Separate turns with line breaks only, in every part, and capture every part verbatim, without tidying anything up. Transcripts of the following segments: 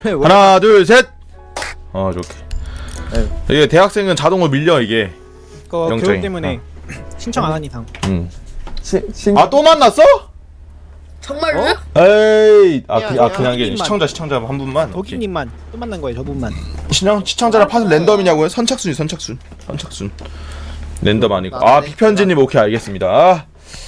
하나 둘 셋. 어 좋게. 이게 대학생은 자동으로 밀려 이게.
그거
영장이.
교육 때문에 신청 안 한 이상.
응.
시, 신...
아 또 만났어?
정말로요?
에이. 아, 그,
야,
아
야,
그냥 이게
도끼님만.
시청자 시청자 한 분만.
도끼님만 또 만난 거예요, 저분만.
시청 시청자랑 팟은 랜덤이냐고요? 선착순이 선착순. 선착순. 랜덤 아니고. 아 비편지님 오케이 알겠습니다.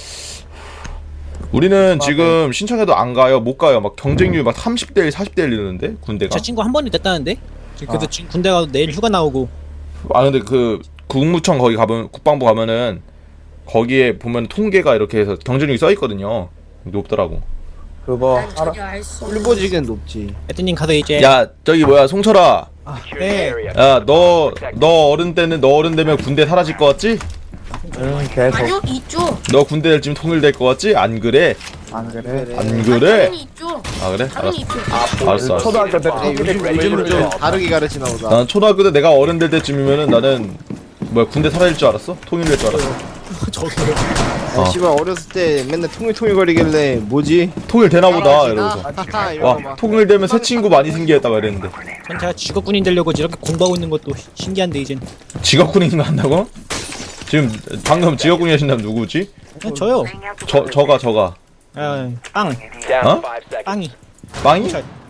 우리는 지금 신청해도 안 가요, 못 가요. 막 경쟁률 막 삼십 대 일, 사십 대 일 이러는데 군대가.
제 친구 한 번이 됐다는데. 그래서
아.
지금 군대 가도 내일 휴가 나오고.
아 근데 그 국무청 거기 가면 국방부 가면은 거기에 보면 통계가 이렇게 해서 경쟁률이 써 있거든요. 높더라고.
그거
난
알아.
전혀 알수
꿀보지겐 높지.
애드님 가서 이제.
야 저기 뭐야 송철아.
네.
야 너 너 어른 때는 너 어른 되면 군대 사라질 것 같지?
응 계속
아니요 있죠.
너 군대 될 쯤 통일될 것 같지? 안 그래?
안 그래.
안
아니,
그래?
당연히 있죠.
아 그래? 알았어.
당연히 있죠.
알았어. 알았어.
초등학교 때
네, 요즘 요즘은 좀 다르게 가르치나 보다.
난 초등학교 때 내가 어른 될 때쯤이면은 나는 뭐야 군대 사라질 줄 알았어? 통일될 줄 알았어.
저기요.
어.
아, 씨발 어렸을 때 맨날 통일통일 거리길래 뭐지?
통일 되나 보다 이러고서.
하하 이러고
와
막.
통일되면 새 친구 많이 생기겠다 막 이랬는데.
전 제가 직업군인 되려고 이렇게 공부하고 있는 것도 신기한데 이젠.
직업군인 거 한다고? 지금 방금 직업군이 하신다면 누구지?
그냥 저요.
저 저가 저가.
아, 빵.
어?
빵이.
빵이?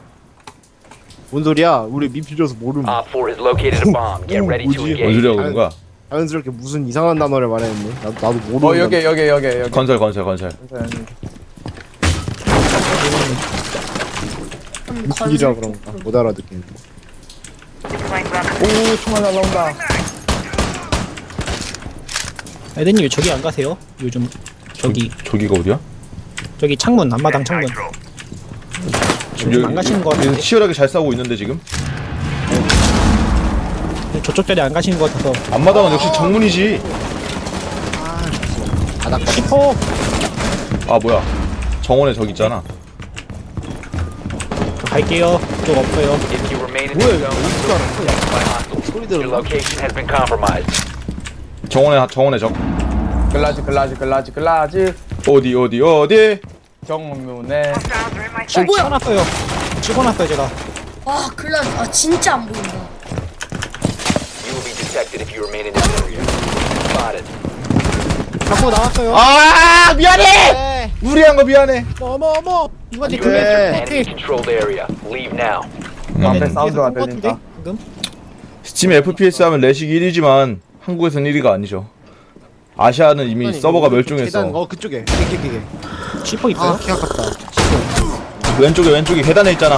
뭔 소리야? 우리 미필 줘서 모름.
Op four has located a bomb. Get ready to
뭐지?
뭔
engage.
소리야 그런 거야?
자연스럽게 무슨 이상한 단어를 말했네. 나도 나도 모르는.
어 여기 여기 여기 여기.
건설 건설 건설.
미필이라 그런가 못 알아듣겠네.
오 총알 날라온다.
애드님 왜 저기 안 가세요? 요즘 저기
저기가 어디야?
저기 창문 앞마당 창문.
지금
안 가시는 거
여기
같은데?
치열하게 잘 싸우고 있는데 지금.
저쪽 자리 안 가시는 것 같아서.
앞마당은 역시 정문이지.
슈퍼.
아 뭐야? 정원에 저기 있잖아.
저 갈게요. 쪽 없어요.
If you remain in the zone, you will be detected by hostiles.
소리
Your
들었나?
location has been compromised.
정원에 정원에 적.
글라지 글라지 글라지 글라지
어디 어디 어디?
정문에
지금
뭐야?
찍어놨어요. 찍어놨어요 제가.
와 글라 아 진짜 안 보인다.
You will be detected if you remain in this area. Spotted.
갖고 나왔어요.
아 미안해. 무리한 거 미안해.
어머 어머. 누가 제
그래.
그래.
Enemy controlled area. Leave now.
앞에 사운드가 들린다.
방금?
스팀 에프피에스 하면 레식 일 위지만 한국에서는 일 위가 아니죠. 아시아는 이미
아니,
서버가
계단,
멸종했어.
어 그쪽에. 그게 그게.
슈퍼 있어요?
아, 키 아깝다.
왼쪽에 왼쪽에 계단에 있잖아.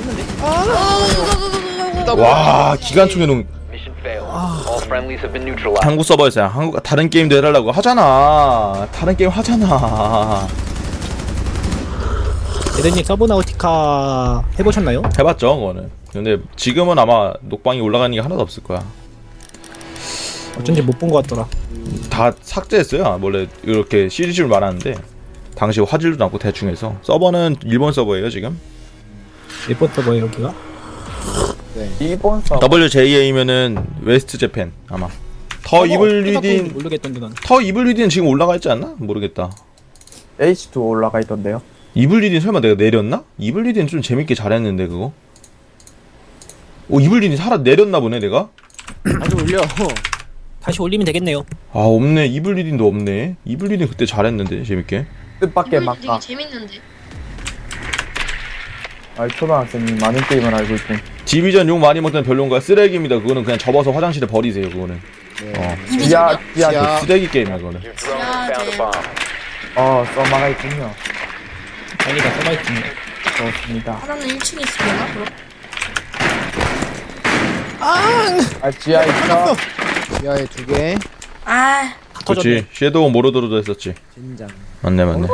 와 기관총에 놓은
Mission failed. All friendlies have been neutralized.
한국 서버에서 한국 다른 게임도 해달라고 하잖아. 다른 게임 하잖아.
애드님 서브나우티카 해보셨나요?
해봤죠 그거는. 근데 지금은 아마 녹방이 올라가는 게 하나도 없을 거야.
어쩐지 못 본 것 같더라.
다 삭제했어요. 원래 이렇게 시리즈를 말하는데 당시 화질도 낮고 대충해서. 서버는 일본 서버예요 지금.
몇번 서버예요 여기가?
이번 서
더블유제이에이면은 웨스트 재팬 아마. 더 이블 리딘
모르겠던데 난.
더 이블 리딘 지금 올라가 있지 않나? 모르겠다.
에이치 투 올라가 있던데요.
이블 리딘 설마 내가 내렸나? 이블 리딘 좀 재밌게 잘했는데 그거. 오 이블 리딘 살아 내렸나 보네 내가.
아주 올려.
다시 올리면 되겠네요.
아 없네. 이블 리딘도 없네. 이블 리딘 그때 잘했는데 재밌게.
뜻밖의
이거
막가.
되게 재밌는데.
아 초등학생이 많은 게임을 알고 있군.
디비전 욕 많이 먹던 별론가 쓰레기입니다. 그거는 그냥 접어서 화장실에 버리세요. 그거는. 어
지하
이비전이요?
지하.
그 쓰레기 게임이야 그거는.
Your drone has found a bomb.
어 써마가 있군요.
아니다 서바이팅.
좋습니다.
하나는 일 층에 있으려나? 그럼?
아 지하 있어.
지하에 두 개.
아
그렇지. 섀도우 모로드로도 했었지.
진장.
맞네 맞네.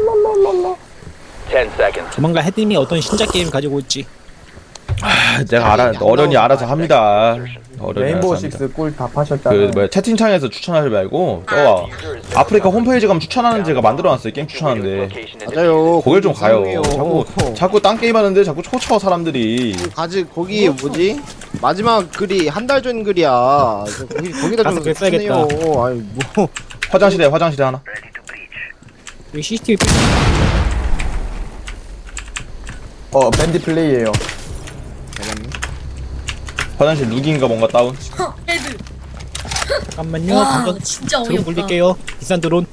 Ten seconds.
조만간 헤드님이 어떤 신작 게임 가지고 올지.
아, 내가 알아. 어련히 알아서 합니다. 어련히
레인보우
알아서 합니다.
식스 꿀 다 파셨잖아.
그 뭐야 채팅창에서 추천하지 말고 저 아프리카 홈페이지 가면 추천하는 제가 만들어놨어요. 게임 추천하는데
Location has been
맞아요.
거길 좀 가요.
이상해요.
자꾸 자꾸 딴 게임 하는데 자꾸 초쳐 사람들이.
가지 거기 뭐지? 마지막 글이 한 달 전 글이야. 저 거기 거기다
가서
좀
글 써야겠다.
쓰네요. 아니 뭐
화장실에 화장실에 하나.
여기 씨씨티비
어 밴디 플레이예요.
화장실 룩인가 뭔가 다운.
허, 헤드.
잠깐만요.
와,
당장
진짜
드론
어이없다.
굴릴게요. 비싼 드론.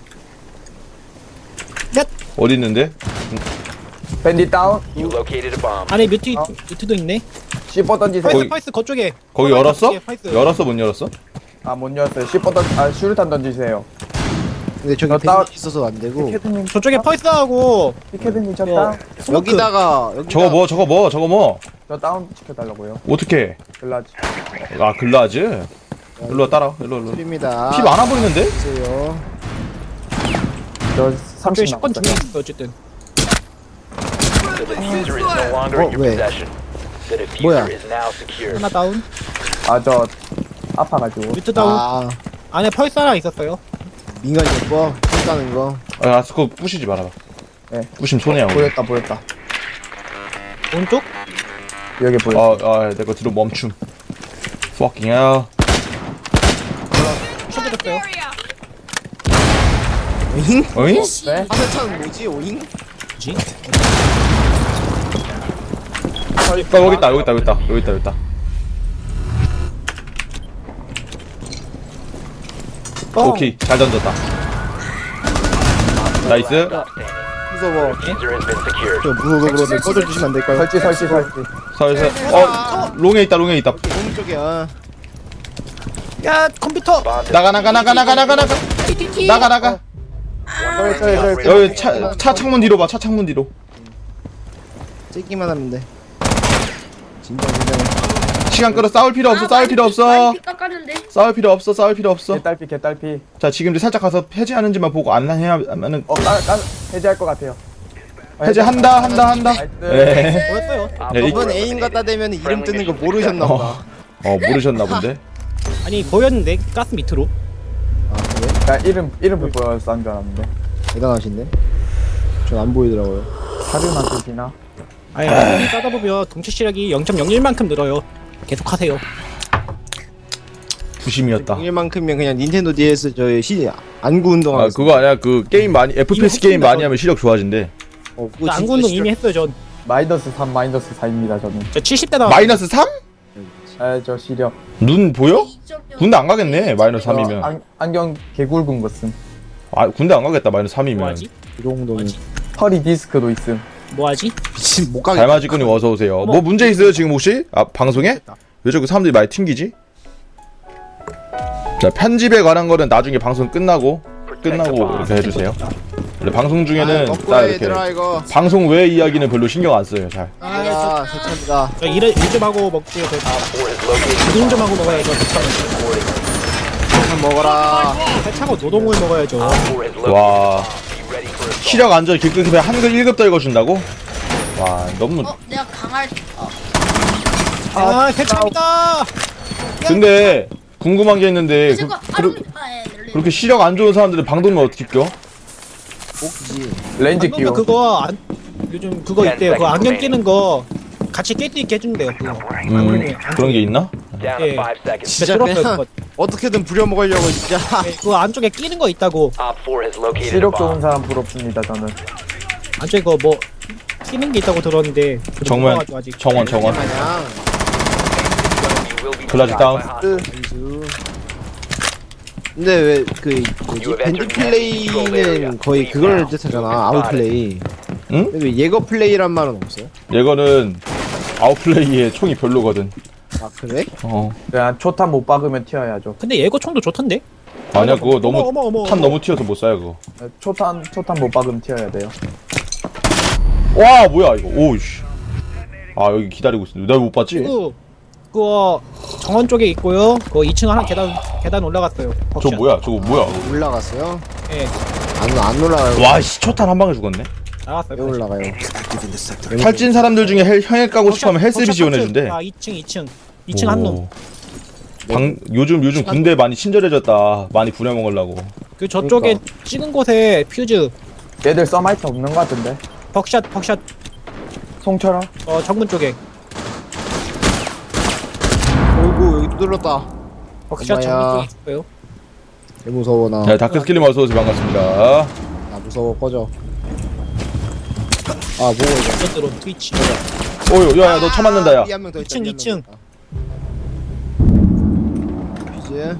넷!
어디 있는데?
밴디 다운.
You located a bomb.
안에 뮤트,
어?
뮤트도 있네.
씨퍼 던지세요.
파이스,
거기-
파이스, 거쪽에.
거기
어,
열었어?
거쪽에 파이스.
열었어 못 열었어?
아, 못 열었어요. 씨퍼 던, 아, 슈루탄 던지세요.
근데 저기
너 따-
밴디 있어서 안 되고.
피케드님,
저쪽에 파이스하고,
피케드님 저
어,
다운.
스모크.
여기다가 여기다
저거 뭐 저거 뭐 저거 뭐
저 다운 시켜달라고요.
어떻게?
글라지.
아 글라즈? 일로 와 따라 일로 일로.
드립니다.
피 많아 보이는데?
보세요.
저
저쪽에
삼십
십 번
남았어요.
중에 있어, 어쨌든.
The diffuser is no longer in
Oh,
your
wait.
possession. The diffuser
뭐야?
is now secure.
하나 다운.
아, 저 아파가지고.
뮤트 다운.
아
안에 펄스 하나 있었어요.
민간이 예뻐. 쏘다는 거.
아 그거 부시지 말아봐.
네.
부시면 손해야. 우리.
보였다, 보였다.
오른쪽?
여기 보였어.
아, 아, 내가 들어 멈춤. Fucking hell.
쳐드렸어요.
오잉?
어잉?
씨.
네?
화살탄 뭐지? 오잉?
뭐지?
아, 여기 있다, 여기 있다, 여기 있다, 여기 있다, 여기 있다.
뻥.
오케이, 잘 던졌다. 나이스.
무서워.
Diffuser has been secured.
저 무서워서 그런데 꺼져주시면 안 될까요?
설치, 설치, 설치.
서서, 어, 롱에 있다, 롱에 있다.
오른쪽이야.
야, 컴퓨터!
Bomb
나가, 나가, 나가, 나가, 나가, 나가.
티티티.
나가, 나가.
저기, 저기, 저기.
여기 차, 차 창문 뒤로 봐, 차 창문 뒤로.
째기만 하면 돼. 진짜 진짜.
시간 끌어, 싸울 필요 없어,
아,
싸울 필요
많이 피-
없어.
많이 피 깎았는데.
싸울 필요 없어, 싸울 필요 없어.
개딸피, 개딸피.
자, 지금 이제 살짝 가서 해제하는지만 보고 안 해야면은
어, 까, 까, 해제할 것 같아요.
해제한다, 한다, 한다.
나이스.
네.
뭐였어요?
네, 이-
저번 애인 갖다 대면 이름 뜨는 거 모르셨나 보다.
어, 어 모르셨나 본데.
아니, 보였는데, 가스 밑으로.
아 그래?
야, 이름, 이름표 보여서 싼 줄 알았는데.
대단하신데? 전 안 보이더라고요.
사료만 쓰시나?
아니, 나중에 싸다 보면 동체 시력이 영 점 영일만큼 늘어요. 계속 하세요.
부심이었다.
일만큼이면 그냥 닌텐도 디에스 저희 시 안구 운동
아 그거 아니야. 그 게임 많이 에프피에스 게임 많이 하면 시력 좋아진대.
어, 그거
안구
진짜
운동
싫어.
이미 했어요, 전.
마이너스 삼, 마이너스 사입니다, 저는.
저 칠십 대 나왔
마이너스 삼?
아, 저 시력.
눈 보여?
이 점 영.
군대 안 가겠네. 마이너스
저
삼이면.
안, 안경 개굵은 거 쓴.
아 군대 안 가겠다. 마이너스 삼이면.
뭐하지?
그 정도는
뭐지?
허리 디스크도 있음.
뭐하지?
미친 못 가겠다.
달마지꾼님 어서 오세요. 뭐 문제 있어요 지금 혹시? 아 방송에? 왜 자꾸 사람들이 많이 튕기지? 자 편집에 관한 거는 나중에 방송 끝나고 끝나고 이렇게 해주세요. 원래 방송 중에는
아,
딱
먹고 해,
이렇게
얘들아 이거.
방송 외 이야기는 별로 신경 안 써요. 잘.
아 세찬이다.
저 일, 일좀 하고 먹고요. 저
four has located
노동 좀 하고 먹어야죠.
한 먹어라.
세차고 노동을 먹어야죠.
four has located.
와
Be ready for assault.
시력 안전 길급에 한글 일 급 더 읽어준다고? 와 너무.
어, 내가 강할. 어,
아, 세차입니다!
근데 궁금한 게 있는데 그,
잠깐.
그,
아, 예, 네, 네.
그렇게 시력 안 좋은 사람들은 방독면 어떻게 껴?
복지.
렌즈
방금
끼워.
그거 안, 요즘 그거 있대요. 그거 안경 끼는 거 같이 낄 수 있게 해준대요. 그거.
음 그런 게 있나?
Down to
예.
five seconds.
진짜
진짜
쩔었어요.
그냥
그거.
어떻게든 부려먹으려고 진짜.
네, 그거 안쪽에 끼는 거 있다고.
Op four has located a
시력 좋은
bomb.
사람 부럽습니다, 저는.
안쪽에 그거 뭐 끼는 게 있다고 들었는데. 그거
정면
몰라가지고 아직.
정원 정원
마냥.
You will be
글라지
shot
다운.
by hostiles.
안수. 근데 왜그 뭐지 밴드 플레이는 거의 그걸 뜻하잖아. 아웃 플레이.
응?
근데 왜 예거 플레이란 말은 없어요?
얘거는 아웃플레이에 총이 별로거든.
아 그래?
어
그냥 초탄 못 박으면 튀어야죠.
근데 예고 총도 좋던데?
아니야 그거 너무
어머, 어머, 어머,
탄
어머.
너무 튀어서 못 쏴요 그거.
초탄, 초탄 못 박으면 튀어야 돼요.
와 뭐야 이거 오우씨. 아 여기 기다리고 있어. 내가 못 봤지?
그 그거 정원 쪽에 있고요. 그거 이 층 하나 계단 계단 올라갔어요.
저
벅샷.
뭐야 저거 뭐야?
올라갔어요?
예,
안, 안 올라가요.
와씨 초탄 한 방에 죽었네.
나갔어요.
왜 올라가요?
탈진 사람들 중에 헬, 형액 가고 싶으면 헬스비
벅샷,
지원해준대.
벅샷. 아, 이 층, 이 층. 이 층 한 놈.
오. 방 요즘 요즘 군대 많이 친절해졌다. 많이 부려먹으려고.
그 저쪽에
그러니까.
찍은 곳에 퓨즈
얘들 써마이트 없는 것 같은데.
벅샷 벅샷
송철아?
어 정문 쪽에
오구 여기 두들렀다.
벅샷
엄마야.
정문 쪽에 있어요.
개 무서워 나.
네 다크스킬님 어서 오세요 반갑습니다.
나 무서워 꺼져. 아 뭐야 이거.
이것들은 트위치.
어유 야야 너 쳐맞는다 야.
한명더
이 층, 이 층.
나이스.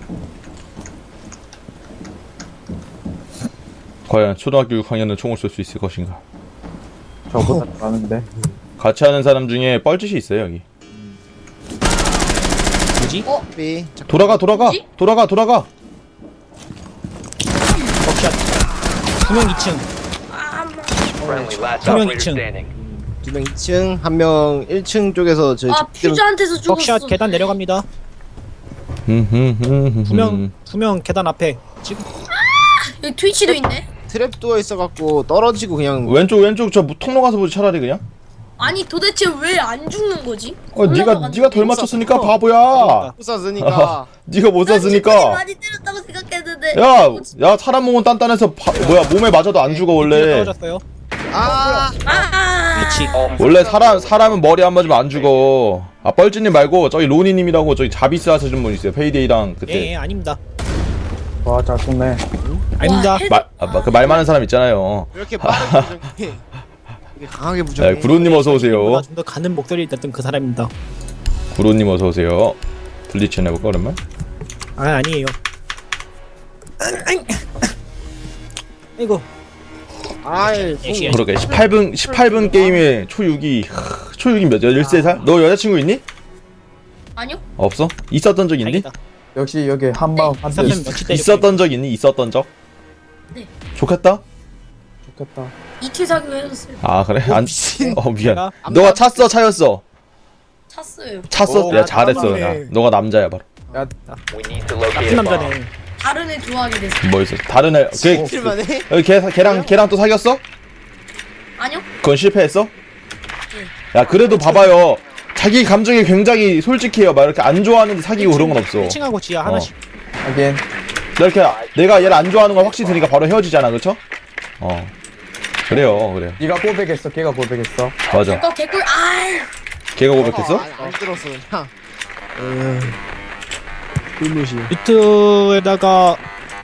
과연 초등학교 육 학년은 총을 쏠 수 있을 것인가?
저보다 잘하는데.
같이 하는 사람 중에 뻘짓이 있어요 여기.
뭐지?
삐.
돌아가 돌아가
뭐지?
돌아가 돌아가.
벅샷. 두명 이 층.
아, 뭐.
Friendly last
두명
operator
이 층.
standing.
두 명 이 층, 한 명 일 층 쪽에서 저희
아
집대로
퓨즈한테서 죽었어.
벅샷 계단 내려갑니다.
음.
두명 두 명 계단 앞에. 지금
여기 트위치도 있네.
트랩 누워 있어갖고 떨어지고 그냥
왼쪽 왼쪽 저 통로 가서 보지 차라리 그냥.
아니 도대체 왜 안 죽는 거지?
어 네가
올라가가지고
네가 덜 맞췄으니까
그러니까.
바보야.
부서지니까.
네가 못
난 충분히
쐈으니까.
많이 때렸다고 생각했는데.
야, 야 사람 몸은 단단해서 바, 뭐야 몸에 맞아도 안 죽어 원래.
떨어졌어요.
아,
아.
그렇지.
원래 사람 사람은 머리 안 맞으면 안 죽어. 아 뻘ጭ님 말고 저기 로니님이라고 저기 자비스 하시는 분 있어요. 페이데이랑 그때
예, 예 아닙니다.
와, 잘 쏘네.
아닙니다.
헤드-
말 아, 그 말 많은 사람 있잖아요.
왜 이렇게 빠르게 부정해? 이게 강하게 부정해.
네, 구로님 어서 오세요.
좀더 가는 목소리를 냈던 그 사람입니다.
구로님 어서 오세요. 블리치 해볼까 오랜만?
아 아니에요. 아이고.
아이,
예,
그러게 십팔 분 십팔 분 게임에 초육이 초육이 몇 열세 살? 너 여자친구 있니?
아니요?
없어? 있었던 적 있니?
다행이다.
역시 여기 한방 한 대.
있었으면 며칠 때리고
있었던 적 있니? 있었던 적?
네.
좋겠다.
좋겠다.
이틀 사귀고 헤어졌어요.
아 그래? 안.
미친.
어 미안.
내가
너가 찼어 차였어?
찼어요.
찼어.
오,
야 잘했어. 야
남자네.
너가 남자야 바로.
야,
We need to locate
나쁜
a bomb.
남자네.
다른 애 좋아하게 됐어.
뭐 있어? 다른 애. 걔
실만해?
여기 걔 걔랑 걔랑 또 사귀었어?
아니요?
그건 실패했어? 야 그래도 봐봐요. 자기 감정이 굉장히 솔직해요. 막 이렇게 안 좋아하는데 사귀고 그런 건 없어.
일 층하고 지하 하나씩.
하긴.
이렇게 내가 얘를 안 좋아하는 걸 확실히 드니까 바로 헤어지잖아, 그렇죠? 어. 그래요, 그래요.
네가 고백했어. 걔가 고백했어.
맞아.
어 개꿀. 아이.
걔가 고백했어?
아, 안 들었어 그냥. 음. 꿀무시.
유튜브에다가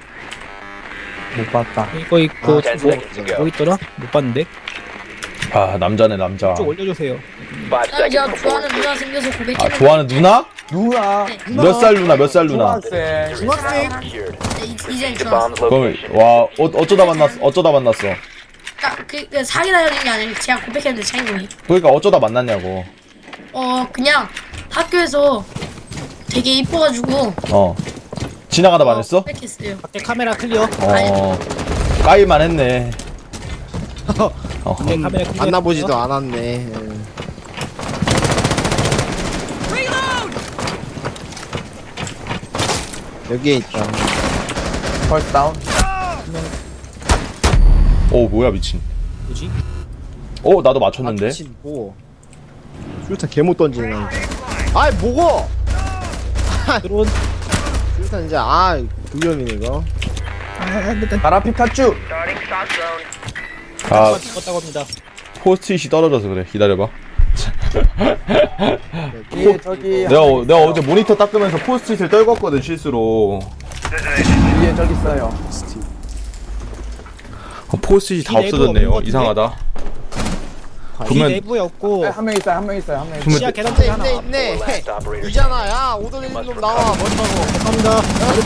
못 봤다.
이거 있고
ten
뭐,
seconds to go.
뭐 있더라? 못 봤는데.
아 남자네 남자.
좀 올려주세요.
Five
난 제가
seconds
좋아하는
before
누나 생겨서
아
고백했는데.
좋아하는 누나?
누나.
몇 살 누나? 몇 살 누나?
중학생.
중학생?
secured.
네, 이- 이제
The
좋았어.
bomb's
그럼
location.
와 어, 어쩌다 만났어? 어쩌다 만났어?
그러니까 그, 그 사귀다 헤어진 게 아니라 제가 고백했는데 차이거든요.
그러니까 어쩌다 만났냐고.
어 그냥 학교에서 되게 이뻐가지고
어. 지나가다 만났어?
고백했어요.
밖에 카메라 클리어.
어. 까이만 했네. 어.
네, 카메라 클리어.
만나보지도 않았네. 음. 여기에 있다.
펄스 다운.
오 뭐야 미친.
뭐지?
어 나도 맞췄는데.
아, 미친 뭐. 수류탄 개못 던지는 남자. 아이 뭐고?
드론.
수류탄 이제 아 불염이네 이거.
아, 일단
가라 피카츄.
아
죽었다고 합니다.
포스트잇이 떨어져서 그래. 기다려봐.
뒤에 저기.
내가 어- 내가 어제 모니터 닦으면서 포스트잇을 떨궜거든 실수로.
뒤에 저기 있어요.
어, 포스트잇이 다
이 내부 없는 것
없어졌네요.
같은데?
이상하다.
이
그러면
내부에 없고
한 명 있어요. 한 명 있어요. 한 명 있어요.
그러면
지하 계단
있네
쪽에 하나.
있네 있네.
Last operator
이잖아. 야 오돌리는 놈 나와. 멋있다고.
감사합니다.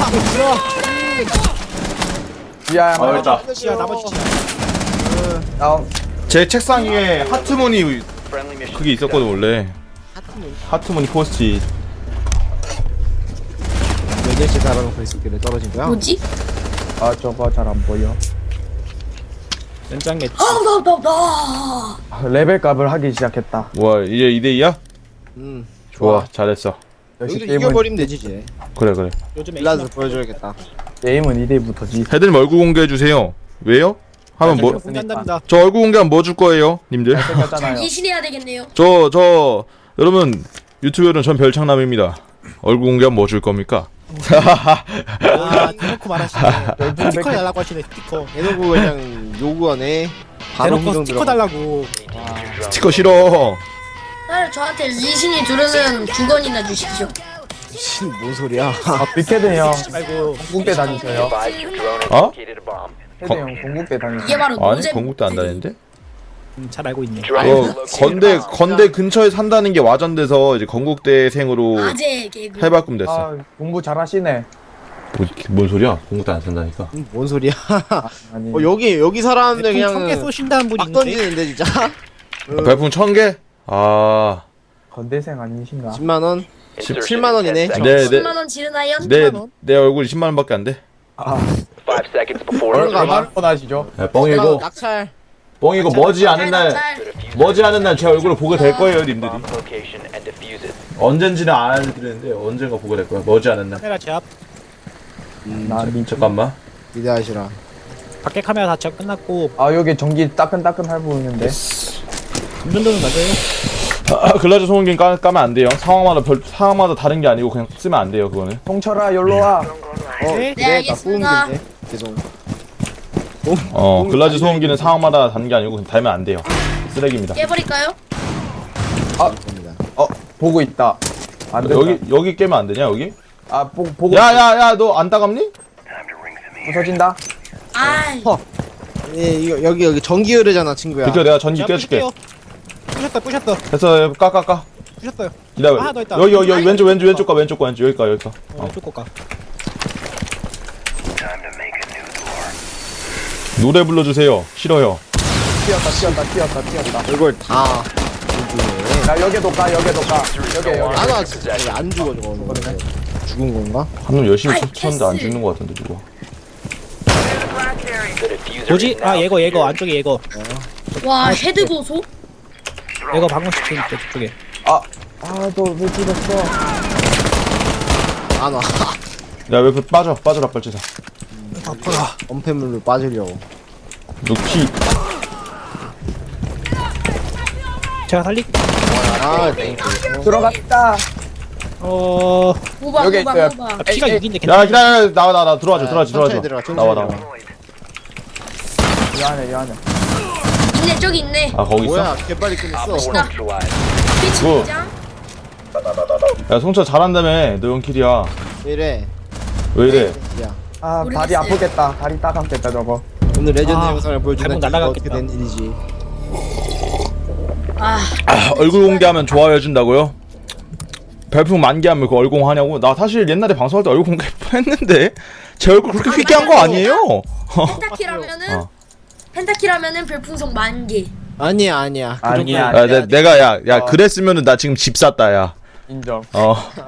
지하에 한
아,
명.
됐다.
지하 나머지 지하.
다운.
제 책상 위에 하트무늬
friendly mission.
그게 있었거든 원래.
하트문.
하트무늬 포스트잇.
몇 개씩 달아놓고 있었길래 떨어진 거야?
뭐지?
아 저거 잘 안 보여.
연장 매치.
아나나 나.
아, 레벨 값을 하기 시작했다.
뭐야 이제 이 대 이야?
응.
좋아 잘했어.
역시
여기서
게임은
이겨버리면 되지 이제.
그래 그래.
요즘
빌라드
에이스
보여줘야겠다.
게임은 이 대부터지.
헤드님 얼굴 공개해 주세요. 왜요? 하면 뭐?
공개한답니다.
저 얼굴 공개하면 뭐 줄 거예요, 님들?
생겼잖아요.
이신해야 되겠네요.
저 저 여러분 유튜버는 전 별창남입니다. 얼굴 공개하면 뭐 줄 겁니까?
아, 대놓고 말하시네.
열두
스티커
백-
달라고 하시네, 스티커.
대놓고 그냥 요구하네. 바로
대놓고
후정
스티커
들어가.
달라고.
스티커 싫어.
딸 저한테 리신이 두르는 주건이나 주십시오.
미친 뭔 소리야?
아 빅헤드 형
말고.
공국대 다니세요.
Advise your drone has
어?
located a bomb.
헤드 형 공국대 다니세요.
이게 바로
아니
노잼.
건국도 안 다니는데?
음, 잘 알고 있네.
어, 건대 건대 근처에 산다는 게 와전돼서 이제 건국대생으로
아재 개그.
해바꿈 됐어.
아 공부 잘하시네.
뭐, 뭔 소리야? 공국대 안 산다니까.
음, 뭔 소리야?
아니
어, 여기 여기 사람들
그냥
그냥
청개 쏘신다는 분이
막
있는데
던지는데 진짜.
아, 별풍 천 개? 아,
건대생 아니신가?
십만 원,
Insertion
십만 원이네.
in ten seconds.
네, 네.
십만 원 지르나요?
내 내 얼굴 십만 원밖에 안 돼.
아
Five seconds before
얼른 가봐.
insertion.
얼마나 원하시죠?
야, 뻥이고
낙찰.
뻥이고 머지 않은 날
The diffuser
머지 않은 날 제 얼굴을 보게 될 거예요, 님들이.
bomb location and defuse it.
언젠지는 안 알려드리는데 언젠가 보게 될 거야. 머지 않은 날.
카메라 제압.
나 니.
잠깐만.
기대하시라.
밖에 카메라 다 제압 끝났고
아 여기 전기 따끈따끈할 보이는데.
이 정도는 맞아요.
아, 글라즈 소음기 까, 까면 안 돼요. 상황마다 별 상황마다 다른 게 아니고 그냥 쓰면 안 돼요, 그거는.
동철아 열로 와.
어,
네,
그래, 나
알겠습니다.
소음기인데. 죄송.
어, 글라즈 소음기는 상황마다 다른 게 아니고 그냥 달면 안 돼요. 쓰레기입니다.
깨버릴까요?
겁니다.
어 보고 있다. 안 된다.
여기 여기 깨면 안 되냐, 여기?
아 보, 보고
야야야, 너 안 따갑니?
부서진다.
아이.
예, 이거 여기 여기 전기 흐르잖아, 친구야.
비켜, 내가 전기
제압
껴줄게.
부실게요. 부셨다 부셨다
됐어, 까까까.
부셨어요.
기다려.
하나 더 있다.
여기 여기 여기 왼쪽 왼쪽 왼쪽 가 왼쪽 가 왼쪽 여기 가 여기 가.
어, 왼쪽 거까.
노래 불러주세요. 싫어요.
튀었다 튀었다 튀었다 튀었다.
이걸 다.
나 여기도 가 여기도 가. 여기 여기.
아, 나 진짜 이거 안 죽어 저거. 죽은 건가?
한 놈 열심히
아이,
쳤는데 안
패스.
죽는 거 같은데 누가?
The diffuser
뭐지?
is
아
now
예거 예거 안쪽에 예거.
와 헤드 보소?
예거 방금 시킨 데 저쪽에.
아너왜 죽었어?
안 와.
야, 왜 그 빠져? 빠져라 빨리자.
아파라. 엄폐물로 빠지려고.
너 피.
제가 살리.
아,
들어갔다.
어
모방
여기
모방
있어요.
모방.
피가
에이,
육인데
야,
괜찮아.
기다려. 나와 나 나 들어와줘.
아,
들어와줘.
천천히
들어와줘.
들어가, 천천히
나와 나와.
들어가.
이 안에 이 안에.
있네 저기 있네.
아, 거기 있어?
뭐야, 개빨리 끝냈어.
Op four neutralized.
피치
뭐.
장
야, 송차 잘한다며. 너 연킬이야.
이래.
왜 이래?
야,
아 다리
모르겠어요.
아프겠다. 다리 따갑겠다 저거.
오늘 레전드
아,
영상을 보여준다.
발목
이거 어떻게
날아갔겠다.
된 일이지?
아
아, 얼굴 공개하면 좋아요 해준다고요? 별풍 만개하면 그 얼공 하냐고? 나 사실 옛날에 방송할 때 얼굴 공개했는데 제 얼굴 그렇게 휘게 한 거 아니에요?
펜타키라면은
어.
펜타키라면은 별풍선 만 개.
아니야, 아니야. 그
아니야.
야, 내, 내가 야, 야 그랬으면은 나 지금 집 샀다 야.
인정.
어.